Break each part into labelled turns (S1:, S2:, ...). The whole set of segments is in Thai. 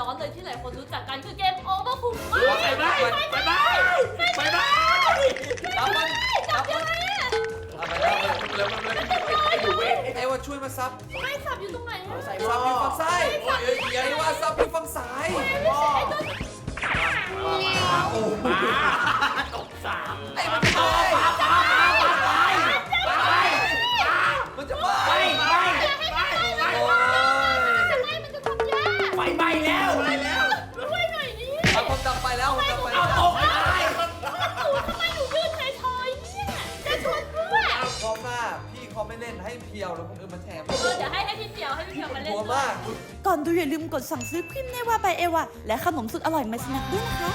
S1: ร้อนเลยที่หลายคนรู้จักกันคือเกม Overcooked
S2: ไปไป
S3: รับมัน
S1: จับยังไงอะ
S3: ไปแล้วไอ้ว่าช่วยมาซับ
S1: ไม่สับอยู่ตรงไหนอะ
S3: ซับอยู่ฝั่งซ้ายไอ้ว่าซับอยู่ฝั่งซ้าย
S2: โอ้มาตกสาม
S3: ไอ้มันจะไปมันจะไปโอ้ย
S1: จะไม่มันจะทำยาก
S2: ไฟไหม้แล้ว
S1: ช่วยหน่อยดิ
S3: ผมดับไปแล้วผมดับไป
S2: เอา
S3: แล้ว
S2: ตกไม่ได้
S1: ทำไมหนูยืนเฉยๆเนี่ยจะชวนเพื่อน
S3: รอบหน้าพี่เขาไม่เล่นให้เพียวแล้วคนอื่นมาแถม
S1: เดี๋ยวให้พี่เพียวมาเล่น
S3: หัวมาก
S4: ก่อนดูอย่าลืมกดสั่งซื้อครีมเนวาby เอวาและขนมสุดอร่อยมาสนักด้วยนะคะ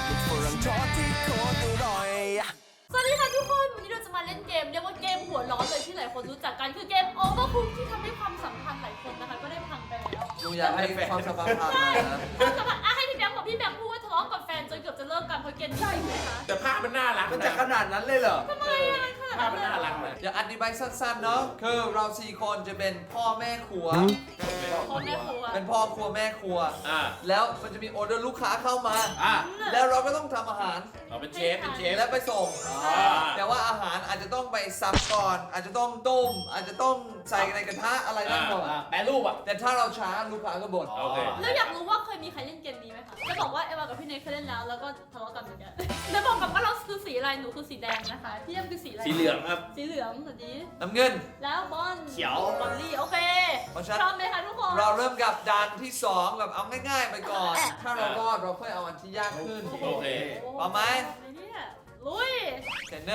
S1: สวัสดีค่ะทุกคนวันนี้เราจะมาเล่นเกมเรียกว่าเกมหัวร้อนเลยที่หลายคนรู้จักกันคือเกม Overcooked ที่ทำให้ความสัมพันธ์หลายคนนะคะก็ได้พังไปแล้ว
S3: หนูอยากให้ความสัมพันธ์ผ่านมานะ
S1: ความสัมพันธ์ให้พี่แบงค์บอกพี่แบงค์พูดว่าทะเลาะกับแฟนจนเกือบจะเลิกกันเพราะเกมนี้ใช่ไหมคะ
S2: แต่ภาพมันน่ารัก
S3: มันจะขนาดนั้นเลยเหรอ
S1: ทำไมอะขนาด
S2: ภาพ
S1: นั้น
S2: มันน่ารักเลย
S3: เดี๋ยวอธิบายสั้นๆเนาะคือเรา4คนจะเป็นพ่อแม่ครัว
S1: พ่อแม่ครัว
S3: เป็นพ่อครัวแม่ครัว แล้วมันจะมีออเดอร์ลูกค้าเข้ามา แล้วเราก็ต้องทำอาหาร
S2: เราเป็นเชฟ
S3: และไปส่ง แต่ว่าอาหารอาจจะต้องไปซับก่อน อาจจะต้องต้ม อาจจะต้องใส่ในกระทะอะไรนั่นหมด
S2: แปรรูปอ่ะ
S3: แต่ถ้าเราช้าลูกค้าก็บ่น
S2: โอเค
S1: แล้วอยากรู้ว่าเคยมีใครเล่นเกมนี้ไหมคะจะบอกว่าเอวากับพี่เนยเคยเล่นแล้วแล้วก็ทะเลาะกันเหมือนกันแล้วบอกกับว่าเราคือสีอะไรหนูคือสีแดงนะคะพี่ยมคือสีอะไร
S2: สีเหลืองครับ
S1: สีเหลืองสวัสดี
S3: น้ำเงิน
S1: แล้วบอล
S2: เขียว
S1: บอลลี่โอเค
S3: เพราะฉะนั้น
S1: พร้อมไหมคะทุกคน
S3: เราเริ่มกับด่านที่ 2 แบบเอาง่ายๆไปก่อน ถ้าเรารอดเราค่อยเอาอันที่ยากขึ้น
S2: โอเค
S3: พร้อมไหม
S1: เนี่ยลุย
S3: เสร็จ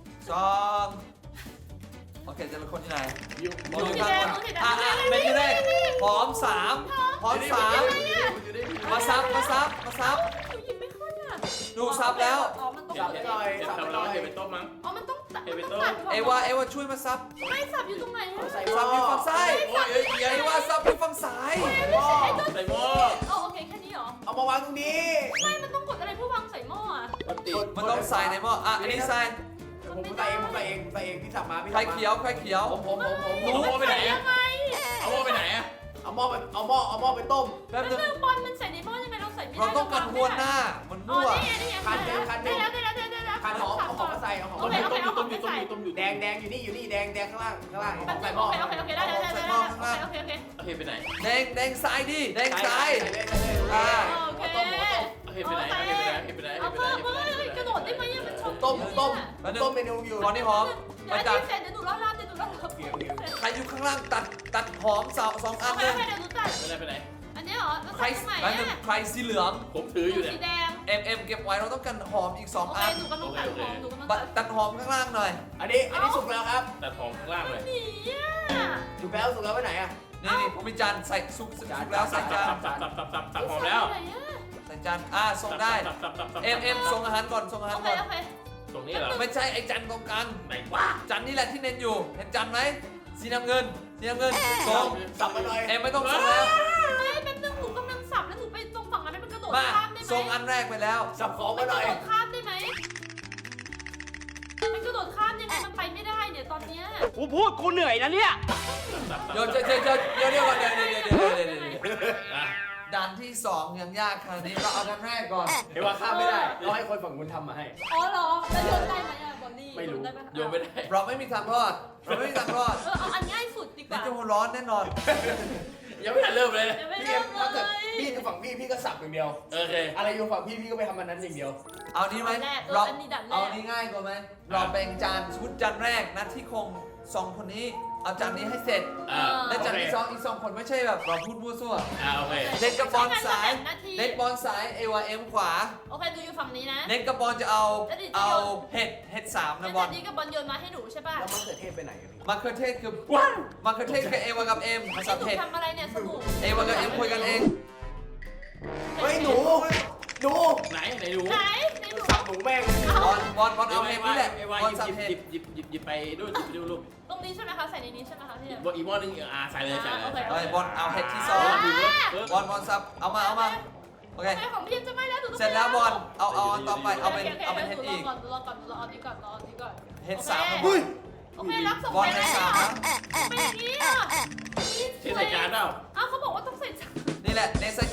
S3: 1 2โอเคจะเป็นคนที่ไหน
S1: หนูสีแดงหนูสีแดง
S3: ไม่ได้พร้อม3มาซับ
S1: หนูหยิบไม่ขึ้นอ่ะ
S3: ดูซับแล้ว
S1: อ๋อมันต้อง
S2: จับให้หน่อยจับเราให้เป็นต้มมั้ง
S1: อ๋อมันต้องตัด
S2: เอเวอร์ตัน
S1: มันต้องตัด
S3: เอวาช่วยมาซับ
S1: ไม่สับอยู่ตรงไหนอะ
S3: ซับอยู่ฝั่งซ้ายเอวาซับอยู่ฝั่งซ้าย
S2: ใส่หม้อ
S1: โอเคแค่นี้เหรอ
S5: เอามาวางตรงนี้
S1: ไม่มันต้องกดอะไรเพื่อวางใส่หม้ออ่ะ
S3: มันต้องใส่ในหม้ออันนี้ใส่
S5: ผมใส่เองพี่สับมาพี่
S3: ไข่เขียว
S5: ผม
S2: เอาหม้อไปไหน
S1: ยั
S2: อะ
S1: งไง
S2: เอาหม้อไปไหนอะ
S5: เอาหม้อไปต้ม
S3: แป๊บ
S1: แล้ว
S3: นึง
S1: เรื่องบอลมันใส่ในหม้อยังไงเราใส่ไม่ได้
S3: เราต้องกันหัวหน้ามัน
S1: อ๋อ
S3: มั่ว
S1: นี่ไงได้แล้ว
S5: ขันหอมเอาของมาใส่เอาของ
S1: โอเคโอเคเอาของไปใส่
S5: แดงอยู่นี่แดงข้างล่างเอาของ
S1: โอ
S5: ใส่หม้อ
S1: เคได้โอเค
S2: ไปไหน
S3: แดงซ้ายดิแดงซ้าย
S1: โอเค
S2: ไปไหน
S1: เอาเพิ่มกระโดดได้ไหมมันชน
S5: ต้มเมนูอยู่
S3: ตอนนี้หอม
S1: เดี๋ยวเสร็จเดี๋ยวหนูรอดรับ
S3: ใครอยู่ข้างล่างตัดหอม2 อัน
S1: โอเค
S3: เลย
S1: เดี๋ยวหนูตัด
S2: ไปไหน
S1: อันนี้เหรอ
S3: ใคร
S1: ใหม่
S3: ใครสีเหลือง
S2: ผมถืออยู่เนี่ย
S1: สีแดง
S3: เก็บไว้เราต้องกันหอมอีก
S1: โอ
S3: 2
S1: เค
S3: อัน
S1: หนูกำลังตัดของหนูกำลัง
S3: ตัดหอมข้างล่างหน่อย
S5: อันนี้สุกแล้วครับ
S2: แต่ของข้างล่างเลย
S1: หนีอ่ะ
S5: สุกแล้วไปไหนอ่ะ
S3: นี่ผมมีจานใส่ซุปแล้วใส่จาน
S2: สับหอมแล้ว
S3: ใส่จานส่งได้ส่งอาหารก่อนส่งอาหาร
S1: โอเค
S3: ก่อน
S1: โอเค
S2: ตรงนี้เหรอ
S3: ไม่ใช่ไอ้จานตรงกลาง
S2: ไหนวะ
S3: จานนี่แหละที่เน้นอยู่เห็นจานไหมสีน้ำเงินส่ง
S5: สับมาหน่อย
S3: ไม่ต้องส่งแล้ว
S1: ไม่แป๊บนึงหนูกำลังสับแล้วหนูไปตรงฝั่งนั้นมันกระโดด
S3: มา
S1: ข้ามได้ไหม
S3: ส่งอันแรกไปแล้ว
S5: สับของ
S1: มั
S5: มาน ห
S1: ก
S5: น่
S1: ระ
S5: อย
S1: โดดข้ามได้ไหมมันกระโดดข้ามยังไงมันไปไม่ได้เนี่ยตอนเนี้ย
S5: กูพูดกูเหนื่อยนะเนี่ย
S3: เดี๋ยวก่อนเดี๋ยวด่านที่ 2 ยังยากขนาดนี้เราเอากันแรกก่อน
S5: เดี๋ยวว่าข้ามไม่ได้เราให้คนฝั่งคุณทำมาให้
S1: อ๋อเหรอแล้วโยนได้ไหมอะบอลลี่
S5: ไม่รู้
S1: ได้ไหม
S2: โยนไม่ได้
S3: เราไม่มีทางรอด
S1: เอาอันง่ายสุดดีก
S3: นี่
S1: ว่า
S3: จะหัวร้อนแน่นอน
S2: ยังไม่ทันเริ่มเลย
S1: ยังไม่
S5: พี่
S1: เริ่ม
S5: ถ้า
S1: เล
S5: เกิด
S1: ย
S5: พี่กับฝั่งพี่ก็สับอย่างเดียว
S2: โอเค
S5: อะไรอยู่ฝั่งพี่ก็ไปทำมันนั้นอย่างเดียว
S3: เอานี้ไหม
S1: อันนี้ดัดแร
S3: เอา
S1: ก
S3: นี้ง่ายกว่าไหมเราแบ่งจานชุดจานแรกนะที่คง2 คนนี้เอาจานนี้ให้เสร็จ และจานที่2อีก2 คนไม่ใช่แบบเราพูดมั่วซั่ว
S2: โอเค
S3: เน็ตกับบอลสายเอวาเอ็มขวา
S1: โอเคดูอยู่ฝั่งนี้นะ
S3: เน็ตกับบอลจะเอาเห็ด3นะบอล
S1: นี้กับบอลโยนมาให้หนูใช่ป่ะ
S5: แล้วมะเขือเทศไปไหนกันพี่
S3: มะเขือเทศคือเอวากับเอ็มภาษา
S1: หนู
S3: เผ็ด
S1: ทำอะไรเนี่ยสบู่
S3: เอวากับเอ็มคุยกันเอง
S5: เฮ้ยหนูดู
S2: ไหนดู
S1: ไหนหนู
S5: สับหนูแม่ง
S3: บอลเอาเห็ดนี่แหละบอลสับเห็ด
S2: หยิบไปด้วยดูลูก
S1: ตรงนี้ใช่ไหมคะใส่ในนี้ใช่ไหมคะพี่
S2: อีกหม้อนึงใส่เลย
S3: บอลเอาเห็ดที่2บอลสับเอามาโอเค
S1: ของพี่จะไม่แล้ว
S3: เสร็จแล้วบอลเอาต่อไปเอาเป็นเห็ดอีก
S1: รอก่อนรออันนี้ก่อนรออันนี้ก่อน
S3: เห็ด3นะบอ
S5: เฮ้
S3: ล
S5: ย
S1: โอเครับส่ง
S3: บอล
S1: ไป
S3: เห็ด
S1: แล้ว
S3: 3นะ
S1: เป็นอย่างนี้อ่ะ
S2: ที่ใส่จานเปล่า
S1: อ้าวเขาบอกว่าต้องใส่จาน
S3: นี่แหละในใส่จ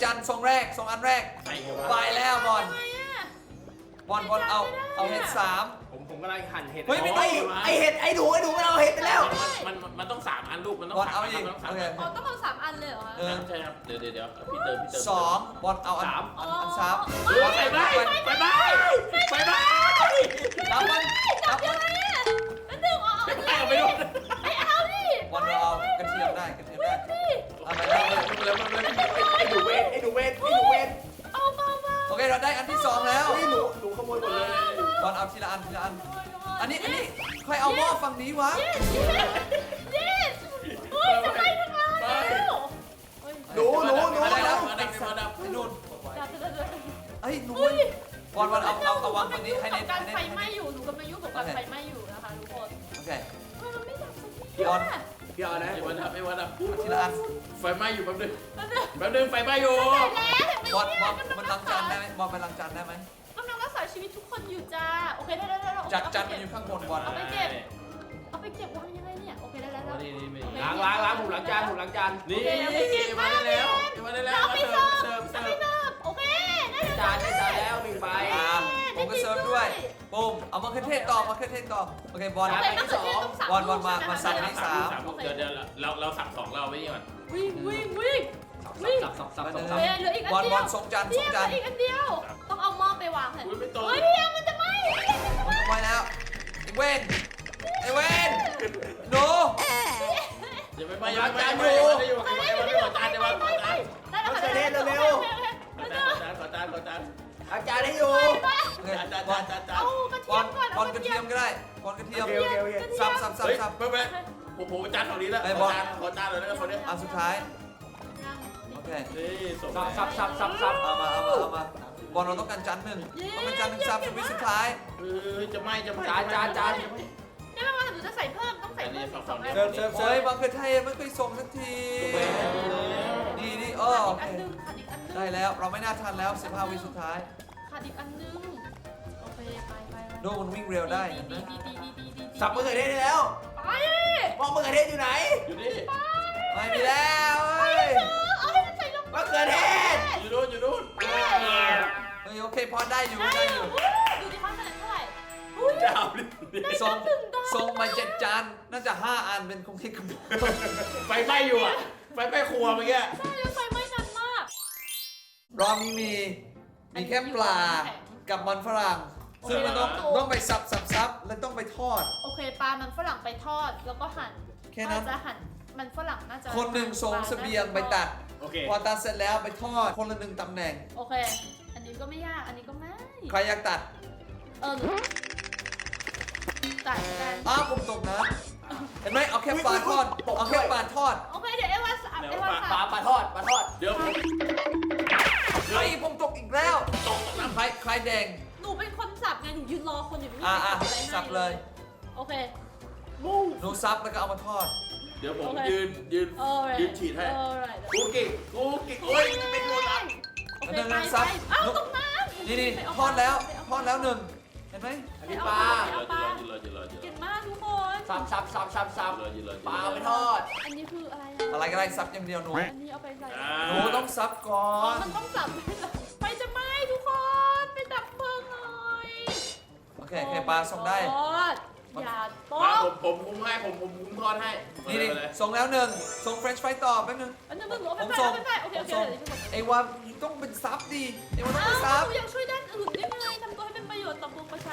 S3: านทรงแรกทรงอันแรก
S2: ใส่เยอะ
S3: ไป
S2: วะ
S3: แล้วบอล
S1: ทำไมอะ
S3: บอลเอาเห็ดสาม
S5: ผมกำลังหั่นเห็ด
S3: เฮ้ยไม่
S5: ไอเห็ดไอหนูมันเอาเห็ดไปแล้ว
S2: มันต้อง3 อันลูกมันต้อง
S3: บอลเอา
S2: 3
S3: อีก
S2: มันต้อง
S3: โอเค
S1: อ๋อต้องเอา3 อันเลยเหรอคะ
S3: เออ
S2: ใช่ครับเดี๋ยวพี่เติม
S3: สองบอลเอาอัน
S2: สาม
S3: อันสาม
S1: อ๋อ
S3: บอล
S2: ไป
S3: ไป
S2: ไป
S3: ไป
S2: ไปไป
S3: รับมันรับ
S1: ยั
S3: มั
S1: ง
S3: น
S1: ไงอะมันดึงอ๋อ
S2: ไปไปเอาไปดู
S1: ไม่เอาดิ
S3: บอลเราเอากระเทียมได้กระเทียมได้
S1: ดิ
S3: เอาไป
S2: เร็
S3: แล้ว
S2: วเร็ว
S5: ไอหนูเวทไอหนูเวทไอหนูเวท
S1: เอาเบา
S3: โอเคเราได้อันที่สองแล้ว
S5: นี่หนูขโมยหมดเลย
S3: บอลเอาทีละอันทีละอันอันนี้ใครเอาหม้อฝั่งนี้วะ
S1: เย้เฮ้ยจะไปทำไม
S5: หนู
S3: อะไรแล้ว
S2: มาดับมาดับ
S3: ไอ้นู่น
S1: จับจะ
S3: เอ้ยหนูบอลเอาวางฝั่งนี้ให้เน็ต
S1: การไฟไหม้อยู่หนูกำลังยุ่งกับการไฟไหม้อยู่นะคะทุกคน
S3: โอเค
S1: มันไม่ดับสักที
S3: พี่ออน
S5: พี่เอานะ
S2: ไอ้วันดับไอ้วันดับ
S3: เอาทีละอัน
S2: ไฟไหม้อยู่แป๊บนึงไฟไหม้อยู่
S3: บอลมันล้างจานได้ไหมบอลมันล้างจานได้ไหม
S1: กำลังรักษาชีวิตทุกคนอยู่จ้าโอเคได้
S3: จัดจานมันอยู่ข้างบนบอล
S1: เอาไปเก็บวางยังไงเนี่ยโอเคได้
S2: นี่นี่นี่
S5: ล้างหมูล้างจานหมูล้างจาน
S2: นี่มาได้แล้วมาได้แล้วมาเสิร์ฟ
S1: โอเคได้
S5: จานได้จานแล้วหนึ่งใบ
S3: ผมก็เซิร์ฟด้วยปุ้มเอามะเขือเทศต่อมะเขือเทศต่อโอเคบอล บอลมาสั่งอันนี้
S2: เดี๋ยวเราสั่ง2เราไว้นี่ก่อน
S1: วิ่ง
S5: สับ
S1: โอเคเหลืออีกอัน
S3: บอล
S1: เดี
S3: บ
S1: ย
S3: อ
S1: ว
S3: ลส่งจาน
S1: พี่
S3: ส่ง
S1: เหลื
S3: จา
S1: อน อีกอันเดียวต้องเอาหม้อไปวางเถอะ
S2: อุ้ยไม่ตรง
S1: เฮ้ยพี่มันจะไหม้มันจะไหม้
S3: ไว้แล้วไอ้เว้นไอ้เว้นหนู
S2: อย่าไปไม่ยังไม่อยู่
S1: ได้
S2: ไอ้วันไม่ขอจานเดี๋ยววันขอจาน
S1: แล้วขอจาน
S2: ขอจาน
S5: ล้างจานให้อยู่
S3: โอเค
S2: จาน
S3: บอล
S1: เอากระเทียมก่อน
S3: บอลกระเทียมก็ได้บอลกระเทียม
S5: โอเค
S3: สับ
S2: เฮ้ยไม่ผมจานฝั่งนี้แล้วขอจานเลยนะคนนี้
S3: อันสุดท้ายโอเค
S2: นี่ส่ง
S5: สับ
S3: เอามาบอลเราต้องการจานหนึ่งต้องการจานหนึ่งสับชีวิตสุดท้าย
S2: จะไหม้
S5: จาน
S1: นี่ไม่ว่าหนูจะใส่เพิ่มต้องใส่เพิ่ม2 อัน
S5: เสิร์ฟเสิร์ฟ
S3: โอ้ยบางเขือเทศไม่เคยส่งสักทีนี่โอ
S1: ขาด
S3: เค
S1: อีกอันนึงขาดอีกอันนึง
S3: ได้แล้วเราไม่น่าทันแล้ว15 วิสุดท้าย
S1: ขาดอีกอันนึงโอเคไป
S3: ดูมันวิ่งเร็วได้
S1: ดี
S3: นะ
S5: สับมะเขือเทศได้แล้ว
S1: ไป
S5: มองมะเขือเทศอยู่ไหน
S2: อยู่นี่
S3: ไม่มีแล้วเฮ้ย
S1: เอาให้มันใส่ลง
S5: มะเขือเทศ
S2: อยู่นู่น
S3: เฮ้ยโอเคพอได้อยู่
S1: ได้
S3: ได้
S1: อ
S3: อยู่
S1: ยู่ดูดิเขาคะแนนเท่าไหร่อุ้ย
S2: ดาว
S3: ส่งมา7 จานน่าจะ5 อันเป็นคงที่กำหนด
S2: ไฟไหม้อยู่อ่ะไฟไหม้ครัวเมื่อกี้
S1: ใช่แล้วไฟไหม้นานมาก
S3: รอบนี้มีแค่ปลากับมันฝรั่งซึ่งมันต้องไปสับแล้วต้องไปทอด
S1: โอเคปลามันฝรั่งไปทอดแล้วก็หั่น
S3: แค่นั้น
S1: จะหั่นมันฝรั่งน่าจะ
S3: คนหนึ่งส่งเสบียงไปตัด
S2: โอเค
S3: พอตัดเสร็จแล้วไปทอดคนละ1 ตำแหน่ง
S1: โอเค อันนี้ก็ไม่ยากอันนี้ก็ไม่
S3: ใครอยากตัด
S1: หนูตัดกัน
S3: อ้าวผมตกนะเห็นไหมเอาแค่ปลาทอดเอาแค่ปลาทอด
S1: โอเคเดี๋ยวเอวาสับเอวา
S5: ป
S1: สั
S5: ลา
S1: บ
S5: ปลาทอด
S2: เดี๋ยวผม
S3: เฮ้ยผมตกอีกแล้ว
S2: ตกน้ำ
S3: ใครแดง
S1: หนูเป็นคนสับไงหนูยืนรอคนอยู่ไม่มี
S3: อ่ะ
S1: ใครสับอะไรให้
S3: สับเลย
S1: โอเค
S3: หนูซับแล้วก็เอามาทอด
S2: เดี๋ยวผมยืนฉีดให้
S1: alright
S2: กูกิ่งโอ้ยไม่โดนอ่ะ
S1: โอเคไปเอ้าตกน้ำ
S3: นี่ทอดแล้ว1เห็นไหม
S5: อันนี้ปลา
S1: เก่งมากทุกคน
S5: สับปลาไปทอด
S1: อันนี้คืออะไร
S3: อะไรก็ได้ซับอย่างเดียวหนู
S1: อันนี้เอาไปใส่
S3: หนูต้องซับก่อ
S1: อ๋อน มันต้องสับไฟจะไหม้ทุกคนไปดับเพลิงหน่อย
S3: โอเคปลาส่งได้
S1: อย่าต
S2: มา
S1: บ
S2: ผมคุมให้ผมทอดให้
S3: นี่ส่งแล้ว1ส่งเฟรนช์ฟรายต่อแป๊บนึง
S1: อันนี้มึงเอาไป
S3: ผมส่ง
S1: โอเค
S3: ไอ้ว่าต้องเป็นซับดีไอ้ว่าต้อง
S1: อ้า
S3: เป็นซับ
S1: วยังช่วยด้านอื่นได้ไงทำตัวให้เป็นประโยชน์ต่อปวงประชา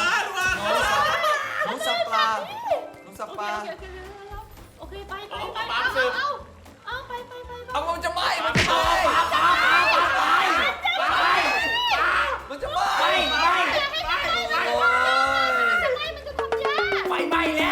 S3: หนูสับปลาหนูสับปลา
S1: โอเคไปเอาไป
S3: เอามันจะไหม้มันจะไหม้มันจะไหม้ โอ้ย
S1: จะไหม้มันจะทำยาก
S5: ไฟไหม้แล้ว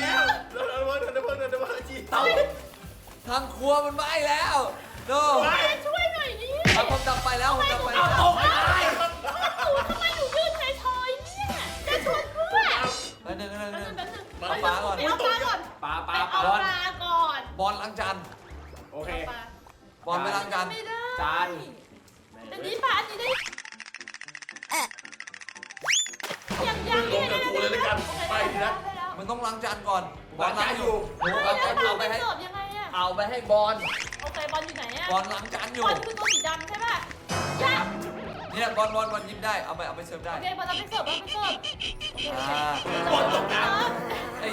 S3: เตาทางครัวมันไหม้แล้วโน่
S1: ช่วยหน่อยดิ
S3: ผมดับไปแล้วผมดับไปแล้ว
S5: ตกไม่ได้
S1: ทำไมหนูยืนเฉยๆเนี่ยจะชวนเพื่อน
S3: หนึ่ง
S1: เอาปลาก่อน
S5: ปลา
S1: ไปเอาปลาก่อน
S3: บอลล้างจาน
S5: โอเค
S3: บอลไปล้างจาน
S1: ไม่ได้
S5: จาน
S1: อันนี้ปลาอันนี้ได้ยัง
S2: ลงกับกูเลยแล้วกันไปทีละ
S3: มันต้องล้างจานก่อนบอล
S5: ล้างจานอยู่
S3: หนูเอาไปให้
S1: เสิร์ฟยังไงอะ
S3: เอาไปให้บอล
S1: โอเคบอลอยู่ไหนอะ
S3: บอลล้างจานอยู่
S1: บอลคือตัวสีดำใช่
S3: เนี่ยบอลยิ้มได้เอาไปเสิร์ฟได้
S1: โอเคบอลเราไปเสิร์ฟบอลไปเสิร์ฟ
S2: บอลตกน้
S3: ไอ้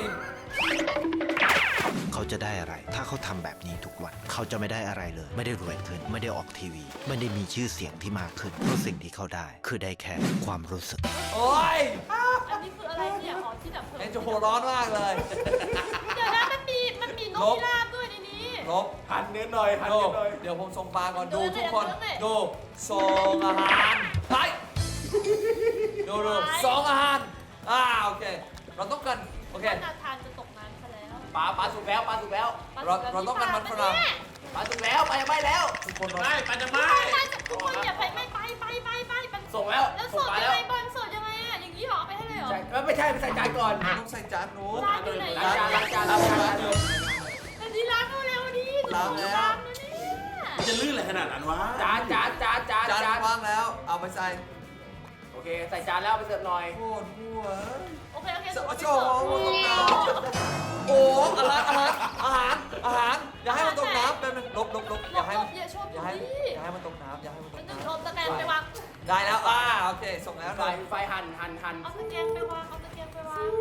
S6: เขาจะได้อะไร ถ้าเขาทำแบบนี้ทุกวัน เขาจะไม่ได้อะไรเลย ไม่ได้รวยขึ้น ไม่ได้ออกทีวี ไม่ได้มีชื่อเสียงที่มากขึ้น เพราะสิ่งที่เขาได้ คือได้แค่ความรู้สึก
S3: โอ้ย
S1: อันนี้คืออะไรเนี่ยอ๋อที่ดับเพลิง
S3: เอ็นจะหัวร้อนมากเลย
S1: เดี๋ยวนะมันมีนกพิราบด้วยในนี้
S3: ลบ
S5: หันเนื้อหน่อยหัน
S3: ดู
S5: เนื้อหน่อย
S3: เดี๋ยวผมส่งปลาก่อน
S1: ดู
S3: ดู
S1: เลย
S3: ทุกคน
S1: ดูเลย
S3: ดูส่งอาหารไปดู
S1: ไป
S3: ส่งอาหารโอเคเราต้องการโอเค
S1: นาธานจะตกน้ำซะแล้ว
S5: ปลาสุกแล้วปลาสุกแล้ว
S3: เราต้องการมันฝรั่ง
S5: ปลาสุกแล้วปลายังไม่แล้ว
S3: ทุกคน
S2: ำ
S3: เรา
S2: ไม่ปันจะไม่
S1: ทุกคนอย่าไปไป
S5: ส่งแล้ว
S1: แล้ว
S5: ส่
S1: ส
S5: ง
S1: ด
S5: ปลา
S1: ยั
S5: แล้ว
S1: งไงบอลสดยังไงอ่ะอย่างนี้เหรอเอาไปให้เลยเหรอ
S5: ใช่ไม่ใช่ไปใส่จานก่อน
S3: ต้องใส่จานหนู
S1: ร้านอยู่ไหน
S5: ล้างจานล้างจานล้างจาน
S1: อันนี้ล้างเร็วดิ
S3: ล้างแล้ว
S1: ล้างนะเนี่ย
S2: จะลื่นอะไรขนาดนั้นวะ
S5: จาน
S3: จานวางแล้วเอาไปใส่
S5: โอเคใส่จานแล้วไปเสิร์ฟหน่อย
S3: โคตรหัว
S1: โอเค
S3: ส
S1: เอา
S3: วั
S1: ไป
S3: ส
S1: เสิ
S3: ดี
S1: ร์ฟ
S3: โอ้อาหารอย่าให้มันตกน้ำเป็นลบอย่าให้มัน
S1: อย่าชน
S3: อย่าให้มันตกน้ำอย่าให้มันต
S1: มัน
S3: ก
S1: นึง
S3: น้ำ
S1: ลมตะแกรงไปวาง
S3: ได้แล้วโอเคส่งแล้วห
S5: ไฟ
S3: น่อย
S5: ไฟหั่น
S1: เอาตะแกรงไปวางเอาตะแกรงไปวาง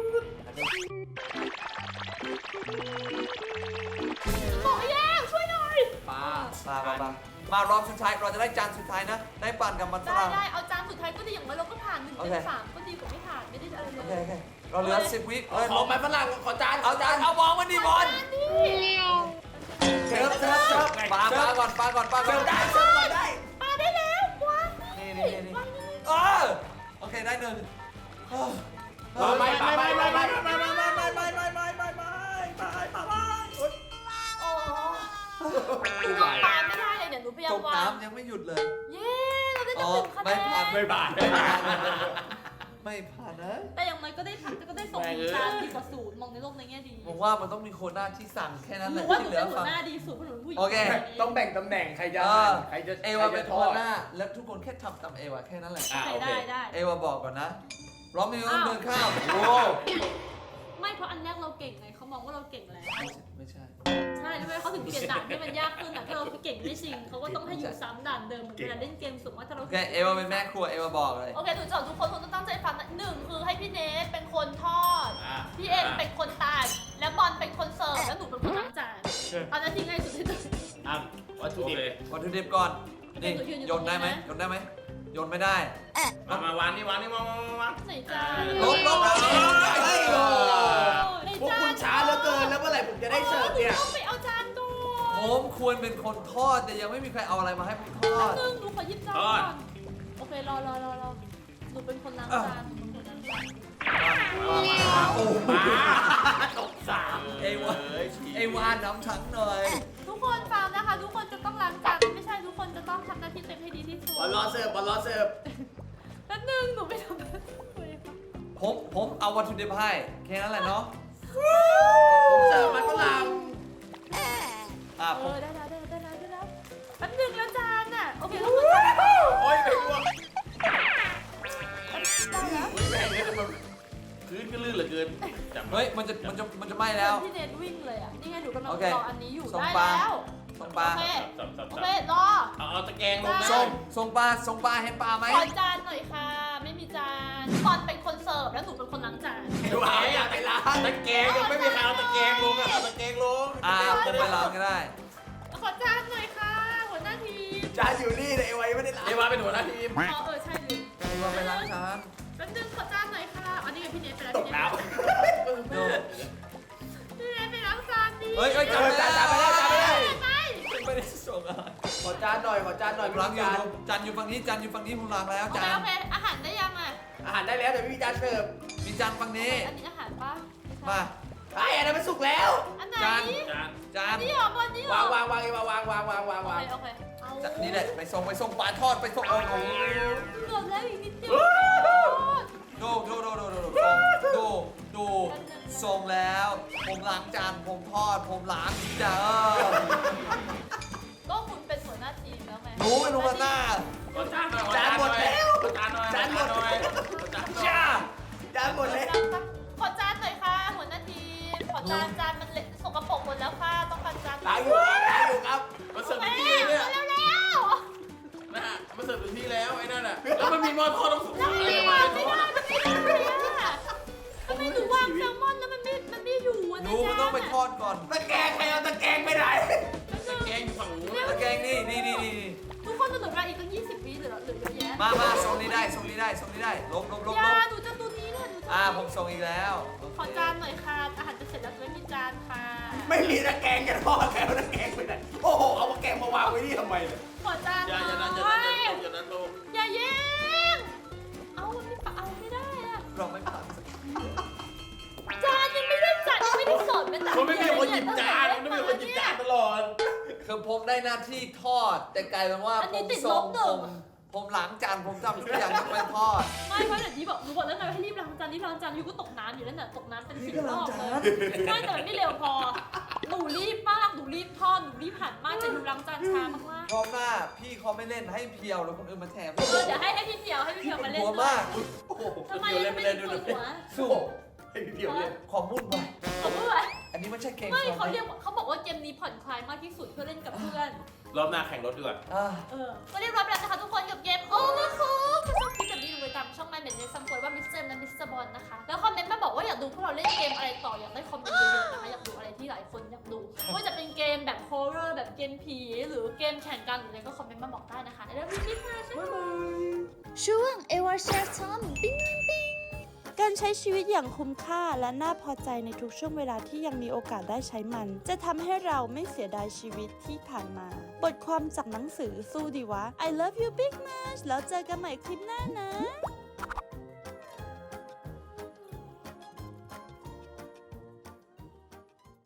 S1: บอกให้แล้วช่วยหน่อย
S5: ปลาม
S3: ารอบสุดท้ายเราจะได้จานสุดท้ายนะได้ปั่นกับมันฝ
S1: ได้
S3: รั่ง
S1: ได้เอาจานสุดท้ายก็ดีอย่างน้อยเราก็ผ่าน1
S3: โอ
S1: เต็
S3: เค
S1: ม 3ก็ดีกว่าไม่ผ่านไม่ได้อะไรเล
S3: โอเค
S1: ย
S3: เราเหลือ10 วิ
S5: ขอไม้ฝรั่งขอจาน
S3: เอาจานเอาวางมันดิบอล
S5: เสิร์ฟ
S3: ปลาก่อน
S5: เสิร์ฟได้เสิร์ฟก่อนได้
S1: ปาได้แล้ววาง
S3: นี่โอเคได้หนึ่ง
S5: ไม่
S1: โอ้หนูปาไม่ได้เลยเดี๋ยวหนูพยายา
S3: ต
S1: ม
S3: ก
S1: วาง
S3: น้ำยังไม่หยุดเลย
S1: เย้เราได้ตั้ง1 คะแน
S3: ไม่ผ่าน
S1: น
S2: ไม่บาด
S3: ไม่ผ่านนะ
S1: แต่อย่างน้อยก็ได้พักก็ได้ส่งจานดีกว่าศูนย์มองในโลกในแง่ดี
S3: ผมว่ามันต้องมีโคต้าที่สั่งแค่นั้น
S1: ห
S3: แห
S1: นู
S3: ละ
S1: ว่าห
S3: ที่
S1: นู
S3: เหลื
S1: เป็
S3: อน
S1: หั
S3: ฟั
S1: ว
S3: ง
S1: หน้าดีสุดเพราะหนูเป็นผู้หญิง
S3: โอเค
S5: ต้องแบ่งตำแหน่งใครจะใครจะ
S3: เอวาเป็นโคต้าแล้วทุกคนแค่ทำตามเอวาแค่นั้นแหละ
S2: อ่ะ
S1: ใคร
S2: โอเค
S1: ได้
S3: เอวาบอกก่อนนะพร้อมมีเดินข้ามโอ้
S1: ไม่เพราะอันแรกเราเก่งไงเขามองว่าเราเก่งแล้ว
S3: ไม่ใช่
S1: ใช่ด้วยเขาถึงเปลี่ยนด่านให้มันยากขึ้นแต่ถ้าเราเก่งไม่จริงเขาก็ต้องให้อยู่ซ้ำด่านเดิมเหมือนเวลาเล่นเกมสูงว่าถ้าเรา
S3: โอเคเอวาเป็นแม่ครัวเอวาบอกเลย
S1: โอเคหนูจะทุกคนต้องตั้งใจฟังนะ1คือให้พี่เนทเป็นคนทอด พี่เอ็มเป็นคนตากและบอลเป็นคนเสิร์ฟแล้วหนูเป็นคนล้างจานเอาหน้าที่ง่ายสุดที่สุด
S2: อ่ะวัตถุดิบ
S3: วัตถุดิบก่อนนี่โยนได้ไหมโยนไม่ได้
S2: มาวางนี่วางนี่วาง
S1: ไหนจาน
S3: ลบ
S1: ไหน
S5: พวก
S1: จาน
S5: คุณช้าเหลือเกินแล้วเมื่อไหร่ผมจะได้เสิร์ฟเนี่ย
S1: หต้องไปเอาจานก่อน
S3: ผมควรเป็นคนทอดแต่ยังไม่มีใครเอาอะไรมาให้ผมทอด
S1: นึงหนูขอหยิบจานก่อนโอเครอหนูเป็นคนล้างจานหนูเป็นคนล้างจาน
S3: โอ้
S2: ตกสาม
S3: เอวาน้ำทั้งหน่อย
S1: ทุกคนฟังนะคะทุกคนจะต้องล้างจานไม่ใช่ทุกคนจะต้องทำหน้าที่เต็มให้ดีที่สุด
S5: บอลรอเสิร์ฟบอลรอเสิร์ฟ
S1: แป๊บนึงหนูไปทำหน้าที่เลย
S3: ผมเอาวัตถุดิบให้แค่นั้นแหละเนาะ
S5: ผมเสิร์ฟมันฝรั่ง
S3: ผม
S1: ได้แล้วแป๊บนึงแล้วจานอ่ะโอเคแล้วจาน
S2: โอ้ยไม่กลัว
S1: ได้แล้ว
S2: แม่งเนี่ยมันพื้นก็ลื่นเหลือเกินจับ
S3: เฮ้ยมันจะไหม้แล้ว
S1: พี่เนทวิ่งเลยอ่ะนี่ไงหนูกำลัง
S3: โอเค
S1: รออันนี้อยู่
S3: ส่ง
S1: ได้
S3: ปลา
S1: แล้ว
S3: ส่ง
S1: โอ
S3: ปลา
S1: เค
S2: สับ
S1: โอเครอ
S2: เอาตะแกรงลงนะ
S3: ส่งปลาเห็นปลาไหม
S1: ขอจานหน่อยค่ะ ไม่มีจานบอลเป็นคนเสิร์ฟแล้วหนูเป็นคนล้างจาน
S5: ดูเอาอยากไปล้าง
S2: ตะแกรงยังไม่มีใครเอาตะแกรงลงอ่ะเอาตะแกรงลง
S3: ผมไปล้างก็ได้
S1: ขอจานหน่อยค่ะหัวหน้าทีม
S5: จานอยู่นี่แต่เอวายังไม่ได้ล้าง
S2: เอวาเป็นหัวหน้าทีม
S1: ใช่ลืม
S3: เอวาไปล้างจาน
S1: แป๊บนึงขอจานหน่อยค่ะอันนี้ไงพี่เนทไปแล้ว
S2: ตกน้
S3: ดู
S1: พี่เนทไปล้างจานดิ
S3: เฮ้ยจานไปแล้ว
S1: ไป
S3: ไม่ได้ส่งอะไร
S5: ขอจานหน่อยขอจานหน่อย
S3: ล้างอยู่จานอยู่ฝั่งนี้ผมล้างแล้ว
S1: โอเค
S3: จาน
S1: โอเคอาหารได้ยังอ่ะ
S5: อาหารได้แล้วแต่ไม่มีจานเสิร์ฟ
S3: มีจานฝั่งนี้
S1: อันนี้อาหารปะ
S3: มา
S5: ไอ้อันนั้นมันสุกแล้ว
S1: อันไหน
S3: จาน
S2: ำจาน
S3: จาน
S1: นี่หรอบอลนี่หรอ
S5: วางเอวาวาง
S1: โอเคเอา
S3: นี่แหละไปส่งปลาทอดไปส่งโอ้โห
S1: เกือบแล้วอีกนิดเดียว
S3: ดูส่งแล้วผมล้างจานผมทอดผมล้างจ้า
S1: ก็คุณเป็นหัวหน้าทีมแล้วไง
S3: หนูเป็นหัวหน้า
S2: จานหน่อยจานหมดแล้วจานหน่อยจานหมดจาน
S3: จ้า
S5: จานหมดแล้ว
S1: ขอจานหน่อยค่ะหัวหน้าทีมขอจานมันเละสกปรกหมดแล้วค่ะต้องการจาน
S5: ล้างอยู่ครับ
S2: มาเสิร์ฟ
S1: แม่
S2: ถึงที่เลยเนี่ย
S1: เร็ว
S2: นะฮะมาเสิร์ฟถึงที่แล้วไอ้นั่นอ่ะแล้วมันมีมอทอต้องสุดท้าย
S1: ไม่วางไม่ได้มันไม่ได้เลยอะทำไมหนูวางแซลมอนแล้วมันไม่อยู่อะ
S3: หนูมันต้องไปทอดก่อน
S5: ตะแกรงใครเอาตะแกรงไปไหน
S2: แกงอยู่ฝั่งนู้น
S3: ตะแกรงนี่
S1: ทุกคนจะเหลือเวลาอีกตั้ง20 วิเหลือเยอะแยะ
S3: มาส่งนี้ได้ลบ
S1: ยาหนูจะตัวนี้แหละหนูจะ
S3: ผมส่งอีกแล้ว
S1: ขอจานหน่อยค่ะอาหารจะเสร็จแล้วไม่มีจานค่ะ
S5: ไม่มีตะแกรงจะทอดใครเอาตะแกรงไปไหนโอ้โหเอาตะแกรงมาวางไว้นี่ทำไมเนี่ย
S1: ขอจานหน่
S2: อย่านั้น
S1: อย
S2: อย่านั้นลง
S1: อย่าแย่งเอามันไม่เอาไม่ได้อะ
S3: เราไม่ผ่าน
S1: จานยังไม่ได้จัดยังไม่ได้สดเป็นแต่
S2: มันไม่มีคนหยิบจานมันไม่มีคนหยิบจานตลอด
S3: คือผมได้หน้าที่ทอด แต่กลายเป็นว่าผมส่งผมล้างจานผมทำทุกอย่างยกเว้นทอด
S1: ไม่เพราะอย่างที่บอกหนูบอกแล้วไงว่าให้รีบล้างจานอยู่ก็ตกน้ำอยู่นั่นน่ะตกน้ำเป็น10 รอบเลยไม่แต่มันไม่เร็วพอหนูรีบมากหนูรีบทอดหนูรีบหั่นมากแต่หนูล้างจานช้ามาก
S3: รอบหน้าพี่เขาไม่เล่นให้เพียวแล้วคนอื่นมาแทน
S1: ๆเดี๋ยวให้พี่เพียวมาเล่น
S3: หัว
S1: ด้วย
S3: มาก
S2: โอ้โห
S1: ทำไม
S2: เดี๋ยวเล่น
S1: ไม่
S2: ไป
S1: ได้
S2: เล่น
S1: ป
S2: ดู
S1: วด
S2: เลย
S1: หัว
S3: สู้
S2: ให้พี่เพียวเล่น
S3: ขอมุ่นไป
S1: เขาพูดอะไร
S3: อันนี้ไม่ใช่เกม
S1: ไม่เขาเรียกเขาบอกว่าเกมนี้ผ่อนคลายมากที่สุดเพื่อเล่นกับเพื่อน
S2: รอบหน้าแข่งรถดีกว่า
S1: ก็เรียบร้อยไปแล้วนะคะทุกคนกับเกม Overcooked ถ้าชอบคลิปแบบนี้ดูไปตามช่องไลน์เมนเนซัมโวยว่ามิสเตอร์และมิสเตอร์บอลนะคะแล้วคอมเมนต์มาบอกว่าอยากดูพวกเราเล่นเกมอะไรต่ออยากได้คอมเมนต์เยอะๆนะคะอยากดูอะไรที่หลายคนอยากดูไม่ว่าจะเป็นเกมแบบฮอร์เรอร์แบบเกมผีหรือเกมแข่งกันหรืออะไรก็คอมเมนต์มาบอกได้นะคะแล้ววิธีค่ะบ๊ายบาย
S4: ช่วงเอวาแชร์ทอมปิ้งปิ้งการใช้ชีวิตอย่างคุ้มค่าและน่าพอใจในทุกช่วงเวลาที่ยังมีโอกาสได้ใช้มัน จะทำให้เราไม่เสียดายชีวิตที่ผ่านมา บทความจากหนังสือสู้ดีวะ I love you big much แล้วเจอกันใหม่คลิปหน้านะ